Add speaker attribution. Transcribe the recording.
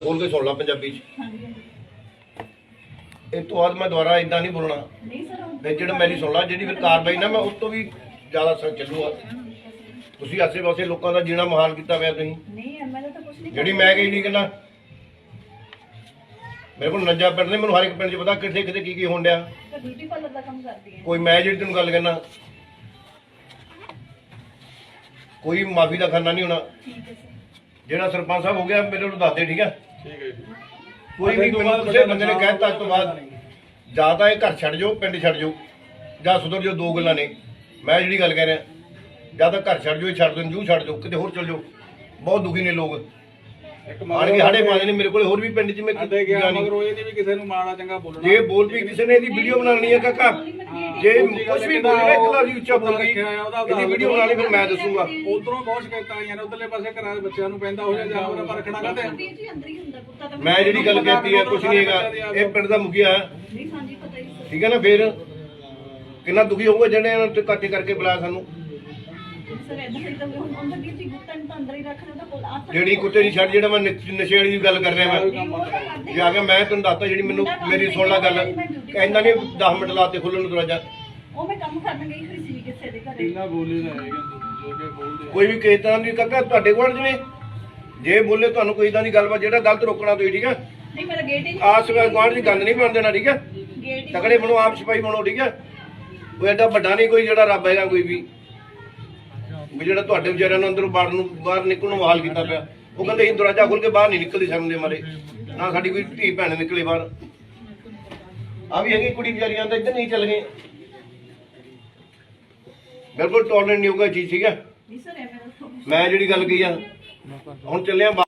Speaker 1: बोल के सुन ला पंजाबी च।
Speaker 2: हाँ जी
Speaker 1: इस तो बाद मैं दोबारा इदा नहीं बोलना
Speaker 2: नहीं सर
Speaker 1: फिर जो मेरी सुन ला जी फिर कार्रवाई ना मैं उस तो भी ज़्यादा सर चलूगा तुम आसे पासे लोगों का जीना महाल किया हुआ तुम
Speaker 2: नहीं एमएलए तो कुछ नहीं
Speaker 1: जी मैं कही नहीं कहना मेरे को नंजा पिंड ने मैं हर एक पिंड च पता कितने कितने की होन दिया
Speaker 2: तो ब्यूटी पार्लर का काम करती है
Speaker 1: कोई मैं जी तेन गल कहना कोई माफी का खाना नहीं होना
Speaker 2: ठीक है सर
Speaker 1: ਜਿਹੜਾ ਸਰਪੰਚ ਸਾਹਿਬ ਹੋ ਗਿਆ ਮੇਰੇ ਨੂੰ ਦੱਸ ਦੇ ਠੀਕ ਹੈ
Speaker 3: ਠੀਕ ਹੈ ਜੀ।
Speaker 1: ਕੋਈ ਵੀ ਮੈਨੂੰ ਕਿਸੇ ਬੰਦੇ ਨੇ ਕਹਿਤਾ ਅੱਜ ਤੋਂ ਬਾਅਦ ਜਾਂ ਤਾਂ ਇਹ ਘਰ ਛੱਡ ਜਾਓ ਪਿੰਡ ਛੱਡ ਜਾਓ ਜਾਂ ਸੁਧਰ ਜਾਓ ਦੋ ਗੱਲਾਂ ਨੇ ਮੈਂ ਜਿਹੜੀ ਗੱਲ ਕਹਿ ਰਿਹਾ ਜਾਂ ਤਾਂ ਘਰ ਛੱਡ ਜਾਓ ਇਹ ਛੱਡ ਦਿਓ ਜੂ ਛੱਡ ਜਾਓ ਕਿਤੇ ਹੋਰ ਚਲ ਜਾਓ ਬਹੁਤ ਦੁਖੀ ਨੇ ਲੋਕ
Speaker 3: ਇੱਕ
Speaker 1: ਮਾਰ ਕੇ ਸਾਡੇ ਪਾਉਂਦੇ ਨੇ ਮੇਰੇ ਕੋਲ ਹੋਰ ਵੀ ਪਿੰਡ 'ਚ ਮੈਂ
Speaker 3: ਸਾਡੇ ਗਿਆ ਮਗਰ ਉਹ ਇਹ ਨਹੀਂ ਵੀ ਕਿਸੇ ਨੂੰ ਮਾੜਾ ਚੰਗਾ ਬੋਲਣਾ
Speaker 1: ਜੇ ਬੋਲ ਵੀ ਕਿਸੇ ਨੇ ਇਹਦੀ ਵੀਡੀਓ ਬਣਾਉਣੀ ਹੈ ਕਾਕਾ ਜੇ ਕੁਝ ਵੀ ਬੋਲੇਗਾ ਇੱਕ ਲਫ਼ਜ਼ ਉੱਚਾ ਬੋਲ ਗਈ ਇਹਦੀ ਵੀਡੀਓ ਬਣਾਉਣੀ ਫਿਰ ਮੈਂ ਦੱਸੂਗਾ
Speaker 3: ਉਧਰੋਂ ਬਹੁਤ ਸ਼ਿਕਾਇਤਾਂ ਆਈਆਂ ਨੇ ਉਧਰਲੇ ਪਾਸੇ ਘਰਾਂ ਦੇ ਬੱਚਿਆਂ ਨੂੰ ਪੈਂਦਾ ਹੋ ਜਾ ਜਾਨਵਰਾਂ ਪਰ ਰੱਖਣਾ ਕਹਿੰਦੇ
Speaker 2: ਵੀਰ ਜੀ ਅੰਦਰ ਹੀ ਹੁੰਦਾ ਕੁੱਤਾ ਤਾਂ
Speaker 1: ਮੈਂ ਜਿਹੜੀ ਗੱਲ ਕਹਿਤੀ ਹੈ ਕੁਝ ਨਹੀਂ ਹੈਗਾ ਇਹ ਪਿੰਡ ਦਾ ਮੁਖੀਆ ਹੈ
Speaker 2: ਨਹੀਂ ਸਾਂਝੀ ਪਤਾ ਹੀ ਸਰ
Speaker 1: ਠੀਕ ਹੈ ਨਾ ਫਿਰ ਕਿੰਨਾ ਦੁਖੀ ਹੋਊਗਾ ਜਿਹੜੇ ਇਹਨਾਂ ਤੇ ਕੱਟ ਕਰਕੇ ਬੁਲਾਇਆ ਸਾਨੂੰ
Speaker 2: ਸਰ ਐਦਾਂ ਫਿਰ ਤਾਂ ਹੁਣ ਅੰਦਰ ਵੀਰ ਜੀ ਕੁੱਤਾ ਨੂੰ ਤਾਂ ਅੰਦਰ ਹੀ ਰੱਖਣਾ ਤਾਂ ਕੋਲ ਆ
Speaker 1: ਜਿਹੜੀ ਕੁੱਤੇ ਦੀ ਛੱਡ ਜਿਹੜਾ ਮੈਂ ਨਸ਼ੇ ਵਾਲੀ ਦੀ ਗੱਲ ਕਰ ਰਿਹਾ ਮੈਂ ਜੇ ਆ ਕੇ ਮੈਂ ਤੁਹਾਨੂੰ ਦੱਸਤਾ ਜਿਹੜੀ ਮੈਨੂੰ ਮੇਰੀ ਸੁਣ ਲਾ ਗੱਲ ਕਹਿੰਦਾ ਨਹੀਂ 10 ਮਿੰਟ ਲਾਤੇ ਖੁੱਲਣ ਨੂੰ ਦਰਵਾਜ਼ਾ
Speaker 2: ਉਹ ਮੈਂ ਕੰਮ ਕਰਨ ਗਈ ਹੋਈ ਸੀ ਕਿਸੇ ਦੇ ਘਰੇ
Speaker 3: ਇੰਨਾ ਬੋਲੇ ਨਾ ਹੈਗੇ ਜੋ ਕਿ ਬੋਲਦੇ
Speaker 1: ਕੋਈ ਵੀ ਕਿਸੇ ਤਰ੍ਹਾਂ ਦੀ ਕਾਕਾ ਤੁਹਾਡੇ ਕੋਲ ਜਿਵੇਂ ਜੇ ਬੋਲੇ ਤੁਹਾਨੂੰ ਕੋਈ ਇਦਾਂ ਦੀ ਗੱਲਬਾਤ ਜਿਹੜਾ ਗਲਤ ਰੋਕਣਾ ਤੁਸੀਂ ਠੀਕ ਹੈ
Speaker 2: ਨਹੀਂ ਮੇਰਾ ਗੇਟ ਹੀ
Speaker 1: ਆਸ ਗੁਆਂਢ ਦੀ ਗੱਲ ਨਹੀਂ ਬਣ ਦੇਣਾ ਠੀਕ ਹੈ
Speaker 2: ਗੇਟ ਹੀ
Speaker 1: ਤਕੜੇ ਬਣੋ ਆਪ ਸਿਪਾਹੀ ਬਣੋ ਠੀਕ ਹੈ ਕੋਈ ਐਡਾ ਵੱਡਾ ਨਹੀਂ ਕੋਈ ਜਿਹੜਾ ਰੱਬ ਹੈਗਾ ਕੋਈ ਵੀ ਜਿਹੜਾ ਤੁਹਾਡੇ ਵਿਚਾਰਿਆਂ ਨੂੰ ਅੰਦਰੋਂ ਬਾਹਰ ਨਿਕਲਣ ਨੂੰ ਹਾਲ ਕੀਤਾ ਪਿਆ ਉਹ ਕਹਿੰਦੇ ਅਸੀਂ ਦਰਵਾਜ਼ਾ ਖੋਲ ਕੇ ਬਾਹਰ ਨਹੀਂ ਨਿਕਲਦੇ ਸਮਝਦੇ ਮਾਰੇ ਨਾ ਸਾਡੀ ਕੋਈ ਧੀ ਭੈਣ ਨਿਕਲੇ ਬਾਹਰ ਆ ਵੀ ਹੈਗੀ ਕੁੜੀ ਵਿਚਾਰੀਆਂ ਤਾਂ ਇੱਧਰ ਨਹੀਂ ਚੱਲ ਗਏ ਬਿਲਕੁਲ ਟੋਲਰੈਂਟ ਨਹੀਂ ਹੋਊਗਾ ਚੀਜ਼ ਠੀਕ ਹੈ
Speaker 2: ਨਹੀਂ ਸਰ ਐਵੇਂ
Speaker 1: ਮੈਂ ਜਿਹੜੀ ਗੱਲ ਕਹੀ ਆ ਹੁਣ ਚੱਲਿਆ